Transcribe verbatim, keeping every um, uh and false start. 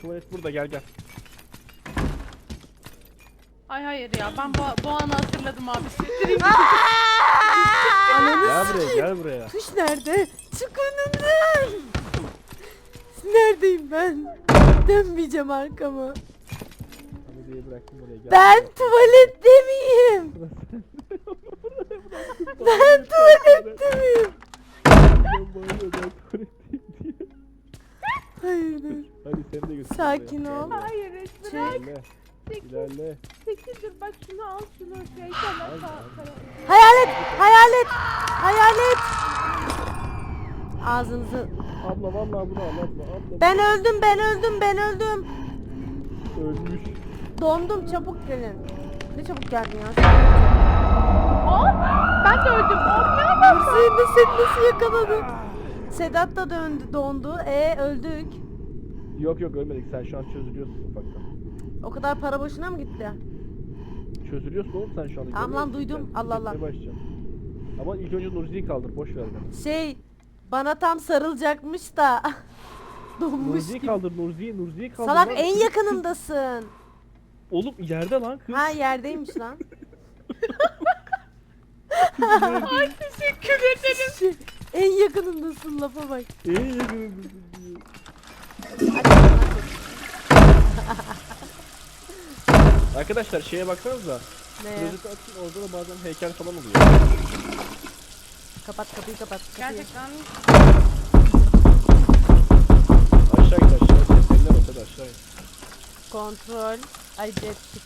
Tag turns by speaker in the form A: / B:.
A: tuvalet burada, gel gel.
B: Ay hayır ya, ben bu, bu anı hatırladım abi. Siktireyim.
C: Ananı
A: Gel buraya,
C: sikeyim.
A: gel buraya.
C: Tuş nerede? Çık önümden. Neredeyim ben? Dönmeyeceğim arkamı.
A: Hamide'yi bıraktım oraya, gel.
C: Ben tuvalette miyim? Ben tuvalette miyim?
A: Ben bağırıyor, ben tuvaletteyim diye.
C: Hayırdır?
A: Hadi seni de götür.
C: Sakin
A: oraya.
C: ol.
A: Gel,
B: Hayır Esra.
A: İlerle,
B: Çekil.
A: ilerle.
B: Çekil dur, bak şunu al, şunu şey tamam
A: Al,
B: tamam
A: al.
B: tamam.
C: Hayalet! Hayalet! Hayalet! Ağzınızı...
A: Abla vallahi bunu al, abla, abla.
C: Ben öldüm, ben öldüm, ben öldüm.
A: Ölmüş.
C: Dondum, çabuk gelin. Ne çabuk geldin ya?
B: Aa, ben de öldüm. Abi ya.
C: Seni de seni nasıl yakaladı? Sedat da döndü, dondu. E öldük.
A: Yok yok ölmedik, sen şu an çözülüyorsun ufaktan.
C: O kadar para boşuna mı gitti?
A: Çözülüyorsun oğlum sen şu anda.
C: Tamam lan,
A: görmüyor musun
C: duydum.
A: sen?
C: Allah Allah.
A: Gitmeye başlayacaksın. Ama ilk önce Nurzi'yi kaldır, boş ver beni.
C: Şey, bana tam sarılacakmış da. Donmuş
A: Nurzi'yi
C: gibi.
A: kaldır, Nurzi'yi, Nurzi'yi kaldır.
C: Salak,
A: lan.
C: en yakınındasın.
A: Oğlum yerde lan kız.
C: Ha, yerdeymiş lan.
B: Ay teşekkür ederim.
C: Şey, en yakınındasın, lafa bak.
A: En yakınındasın diyor. Arkadaşlar şeye baksanıza.
C: Ne?
A: Klozeti açın, orada da bazen heykel falan oluyor.
C: Kapat kapıyı, kapat kapıyı.
B: Gerçekten
A: Aşağı git aşağı. Seninle bak hadi aşağı git.
C: Kontrol. Ay jet ski.